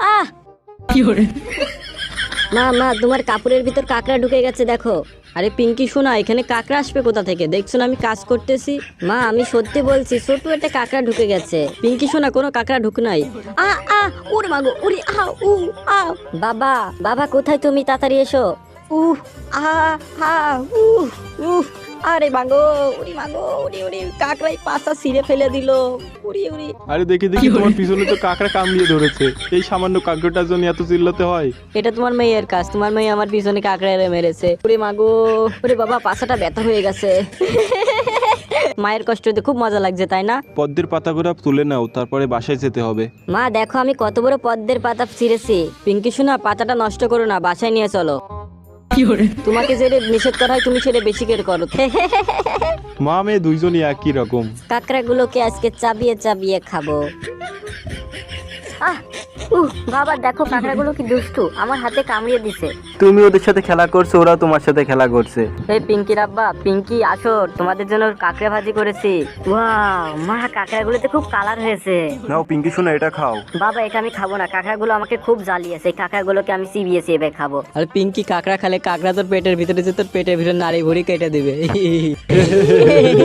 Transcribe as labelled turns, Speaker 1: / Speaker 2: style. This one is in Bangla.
Speaker 1: আহ মা মা তোমার কাপড়ের ভিতর কাকড়া ঢুকে গেছে দেখো। আরে পিঙ্কি শোনা, এখানে কাকড়া আসবে কোথা থেকে? দেখছো না আমি কাজ করতেছি। মা আমি সত্যি বলছি, ছোট একটা কাকড়া ঢুকে গেছে। পিঙ্কি শোনা, কোনো কাকড়া ঢুক নাই। আ আ ওরে মাগো, ওরে আ উ আ। বাবা বাবা কোথায় তুমি? তাড়াতাড়ি এসো। উহ আ আ উহ উহ। আরে মাগো, ওরে মাগো, ওরে ওরে কাকড়াই পাছা ছিঁড়ে ফেলে দিল। ওরে ওরে।
Speaker 2: আরে দেখি দেখি, তোমার পিছনে তো কাকড়া কামড়িয়ে ধরেছে। এই সামান্য কাকড়াটার জন্য এত চিল্লাতে হয়?
Speaker 1: এটা তোমার মেয়ের কাজ, তোমার মেয়ে আমার পিছনে কাকড়া মেরেছে। ওরে মাগো, ওরে বাবা পাছাটা ব্যথা হয়ে গেছে। মায়ের কষ্টতে খুব মজা লাগছে তাই না?
Speaker 2: পদ্মের পাতাগুলো তুলে নাও, তারপরে বাসায় যেতে হবে।
Speaker 1: মা দেখো আমি কত বড় পদ্মের পাতা ছিঁড়েছি। পিঙ্কি শোনা, পাতাটা নষ্ট করো না, বাসায় নিয়ে চলো। তোমাকে যেটা নিষেধ করা হয় তুমি সেটা বেশি করে করো।
Speaker 2: মা মেয়ে দুইজনই একই রকম।
Speaker 1: কাকড়া গুলোকে আজকে চাবিয়ে চাবিয়ে খাবো। বাবা দেখো কাকড়া গুলো কি দুষ্টু, আমার হাতে কামড়িয়ে দিছে।
Speaker 3: তুমি ওদের সাথে খেলা করছো, ওরা তোমার সাথে খেলা করছে।
Speaker 1: এই পিঙ্কির আব্বা, পিঙ্কি আসো, তোমাদের জন্য কাকড়া ভাজি করেছি। ওয়াও মা, কাকড়া গুলোতে খুব কালার হয়েছে।
Speaker 3: নাও পিঙ্কি শোনা, এটা খাও।
Speaker 1: বাবা এটা আমি খাবো না, কাকড়া গুলো আমাকে খুব জ্বালিয়েছে। এই কাকড়া গুলোকে আমি চিবিয়ে চিবিয়ে খাবো। আর পিঙ্কি কাকড়া খালে কাকড়া তোর পেটের ভিতরে যে তোর পেটের ভিতরে নাড়ি ভুড়ি কেটে দিবে।